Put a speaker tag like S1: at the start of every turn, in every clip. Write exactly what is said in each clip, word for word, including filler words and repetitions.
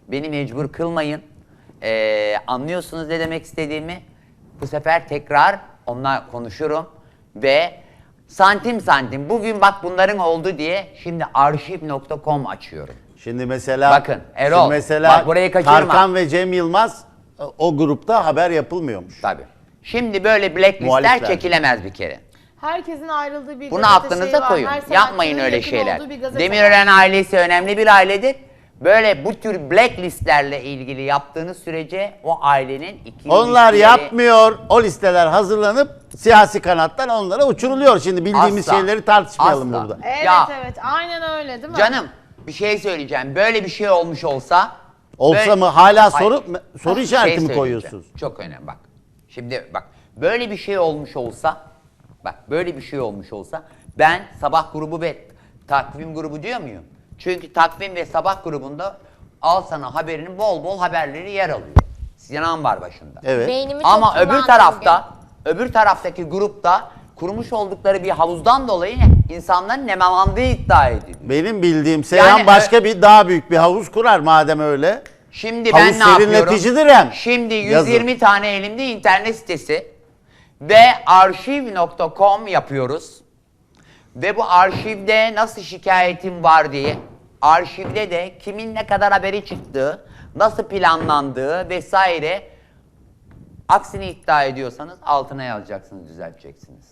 S1: Beni mecbur kılmayın. Ee, anlıyorsunuz ne demek istediğimi. Bu sefer tekrar onunla konuşurum ve santim santim bugün bak bunların oldu diye şimdi arşiv nokta com açıyorum.
S2: Şimdi mesela
S1: bakın Erol
S2: şimdi mesela
S1: bak burayı kaçırma.
S2: Tarkan ve Cem Yılmaz o grupta haber yapılmıyormuş.
S1: Tabii. Şimdi böyle blacklistler
S2: Muhalifler.
S1: çekilemez bir kere.
S3: Herkesin ayrıldığı bir
S1: Bunu
S3: gazete
S1: aklınıza
S3: şeyi var.
S1: koyun.
S3: Her
S1: Yapmayın
S3: sanatçının
S1: öyle
S3: yakın
S1: şeyler.
S3: olduğu bir gazete
S1: Demirören
S3: var.
S1: ailesi önemli bir ailedir. Böyle bu tür blacklistlerle ilgili yaptığınız sürece o ailenin iki
S2: Onlar
S1: ilişkileri-
S2: yapmıyor. O listeler hazırlanıp siyasi kanattan onlara uçuruluyor. Şimdi bildiğimiz
S1: Asla.
S2: şeyleri tartışmayalım
S1: Asla.
S2: burada.
S3: Evet
S1: Ya.
S3: evet aynen öyle değil mi?
S1: Canım bir şey söyleyeceğim. Böyle bir şey olmuş olsa...
S2: Olsa
S1: böyle-
S2: mı hala
S1: Hayır.
S2: soru soru
S1: Şey
S2: işareti mi
S1: söyleyeceğim.
S2: koyuyorsunuz?
S1: Çok önemli bak. Şimdi bak böyle bir şey olmuş olsa... Bak böyle bir şey olmuş olsa... Ben sabah grubu ve takvim grubu diyor muyum? Çünkü takvim ve sabah grubunda Al Sana Haberinin bol bol haberleri yer alıyor. Sinan var başında.
S2: Evet.
S4: Beynimi çok
S1: Ama öbür
S4: kullandım
S1: tarafta, öbür taraftaki grupta kurmuş oldukları bir havuzdan dolayı insanların nemalandığı iddia ediliyor.
S2: Benim bildiğim Seyhan
S1: Yani,
S2: başka bir daha büyük bir havuz kurar madem öyle.
S1: Şimdi
S2: Havuz
S1: ben ne yapıyorum?
S2: serinleticidir hem.
S1: Şimdi yüz
S2: Yazın.
S1: yirmi tane elimde internet sitesi ve arşiv nokta com yapıyoruz. Ve bu arşivde nasıl şikayetim var diye, arşivde de kimin ne kadar haberi çıktığı, nasıl planlandığı vesaire, aksini iddia ediyorsanız altına yazacaksınız, düzelteceksiniz.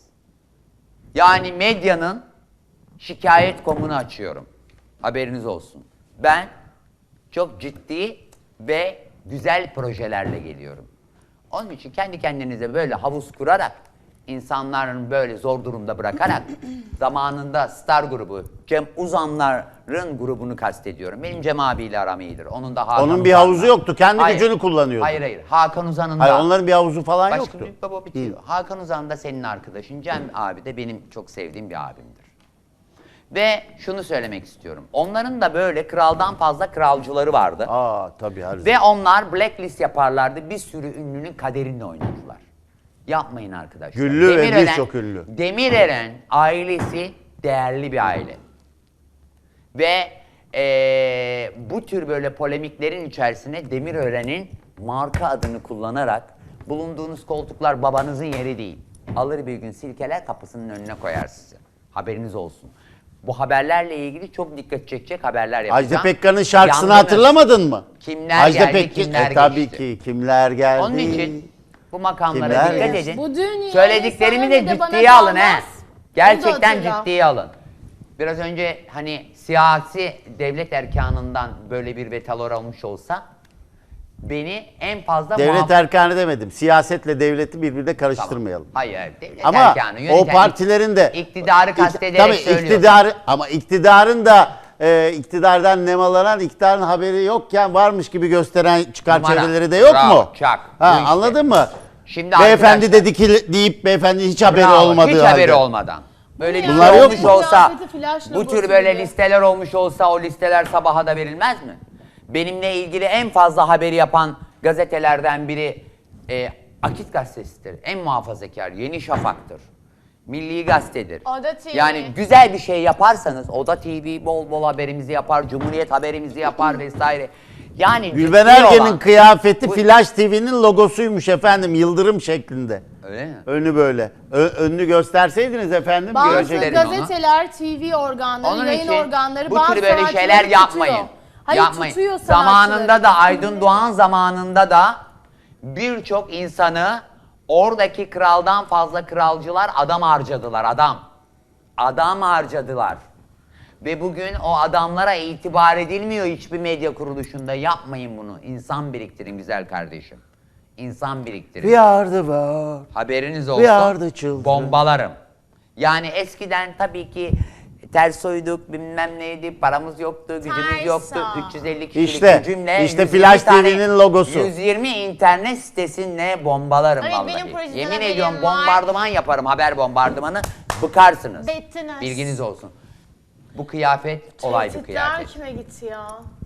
S1: Yani medyanın şikayet komunu açıyorum. Haberiniz olsun. Ben çok ciddi ve güzel projelerle geliyorum. Onun için kendi kendinize böyle havuz kurarak, insanların böyle zor durumda bırakarak, zamanında Star grubu, Cem Uzanlar'ın grubunu kastediyorum. Benim Cem abiyle aram iyidir. Onun da Hakan
S2: Onun bir
S1: Uzan'la.
S2: havuzu yoktu, kendi
S1: Hayır.
S2: gücünü kullanıyordu.
S1: Hayır hayır. Hakan Uzan'ın da.
S2: Hayır, onların bir havuzu falan
S1: Başka
S2: yoktu.
S1: büyük baba bitiyor. Hakan Uzan da senin arkadaşın. Cem abi de benim çok sevdiğim bir abimdir. Ve şunu söylemek istiyorum. Onların da böyle kraldan fazla kralcıları vardı.
S2: Aa tabii her
S1: Ve onlar blacklist yaparlardı. Bir sürü ünlünün kaderini oynadılar. Yapmayın arkadaşlar.
S2: Güllü ve
S1: Demirören-
S2: birçok ünlü.
S1: Demirören ailesi değerli bir aile. Ve eee, bu tür böyle polemiklerin içerisine Demirören'in marka adını kullanarak bulunduğunuz koltuklar babanızın yeri değil. Alır bir gün silkeler kapısının önüne koyar sizi. Haberiniz olsun. Bu haberlerle ilgili çok dikkat çekecek haberler yapacağım.
S2: Ajda Pekkan'ın şarkısını
S1: Yandınız.
S2: hatırlamadın mı?
S1: Kimler
S2: Ajda
S1: geldi,
S2: Pekkan-
S1: kimler
S2: e, tabii
S1: geçti.
S2: ki kimler geldi.
S1: Onun için bu makamlara
S2: Kimler
S1: dikkat
S2: geçti?
S1: edin.
S3: Bu dünyaya
S1: Söylediklerimi
S3: sana
S1: de
S3: ne de bana
S1: ciddiye alın he.
S3: kalmaz.
S1: Gerçekten
S3: Onu da hatırla.
S1: ciddiye alın. Biraz önce hani siyasi devlet erkanından böyle bir vetalor olmuş olsa beni en fazla
S2: Devlet
S1: muhaf-
S2: erkanı demedim. Siyasetle devleti birbirine karıştırmayalım.
S1: Hayır, devlet
S2: Ama
S1: erkanı,
S2: o
S1: yöneten
S2: partilerin de
S1: iktidarı
S2: İk-
S1: kastederek
S2: tabii
S1: söylüyorum.
S2: iktidarı ama iktidarın da e, iktidardan nemalanan iktidarın haberi yokken varmış gibi gösteren çıkar
S1: Numara.
S2: çevreleri de yok
S1: Bravo,
S2: mu?
S1: çak.
S2: Ha,
S1: Bu işte.
S2: anladın mı?
S1: Şimdi
S2: Beyefendi
S1: arkadaşlar-
S2: dedi ki deyip beyefendi hiç haberi
S1: Bravo,
S2: olmadığı
S1: hiç
S2: halde.
S1: haberi olmadan. Böyle bir
S2: Bunlar
S1: şey
S2: yok
S1: olmuş
S2: mu?
S1: olsa,
S3: Kıyafeti flash
S1: bu
S3: logosu
S1: tür böyle
S3: gibi.
S1: listeler olmuş olsa o listeler sabaha da verilmez mi? Benimle ilgili en fazla haberi yapan gazetelerden biri e, Akit Gazetesi'dir. En muhafazakar, Yeni Şafak'tır. Milli Gazete'dir.
S3: Oda T V.
S1: Yani güzel bir şey yaparsanız, Oda T V bol bol haberimizi yapar, Cumhuriyet haberimizi yapar vesaire. Yani
S2: Gülben
S1: ciddi
S2: Ergen'in
S1: olan-
S2: kıyafeti
S1: Bu-
S2: Flash T V'nin logosuymuş efendim, yıldırım şeklinde.
S1: Öyle mi?
S2: Önü böyle. Ö- önünü gösterseydiniz efendim
S3: Bazı
S2: görecektik.
S1: Gösterin onu.
S3: gazeteler, T V organları,
S1: Onun
S3: yayın
S1: için
S3: organları
S1: bu
S3: bazı
S1: tür böyle
S3: sanatçıları
S1: şeyler
S3: tutuyor.
S1: yapmayın.
S3: Hayır
S1: yapmayın.
S3: tutuyor
S1: Zamanında
S3: sanatçıları.
S1: da Aydın Doğan zamanında da birçok insanı oradaki kraldan fazla kralcılar adam harcadılar adam. Adam harcadılar. Ve bugün o adamlara itibar edilmiyor hiçbir medya kuruluşunda. Yapmayın bunu. İnsan biriktirin güzel kardeşim. İnsan biriktirin.
S2: We are the world.
S1: Haberiniz
S2: We are the
S1: olsun.
S2: children.
S1: Bombalarım. Yani eskiden tabii ki ters uyduk, bilmem neydi, paramız yoktu, gücümüz
S3: Ters
S1: yoktu.
S3: o.
S1: üç yüz elli kişilik
S2: İşte,
S1: bir cümle.
S2: işte
S1: yüz yirmi
S2: Flash
S1: tane-
S2: T V'nin logosu.
S1: yüz yirmi internet sitesinde bombalarım
S3: Ay,
S1: vallahi.
S3: benim projeden
S1: Yemin
S3: haberim
S1: ediyorum
S3: var.
S1: bombardıman yaparım, haber bombardımanı. Bıkarsınız.
S3: Bittiniz.
S1: Bilginiz olsun. Bu kıyafet olay bir
S3: Tehditler
S1: kıyafet.
S3: kime gitti ya?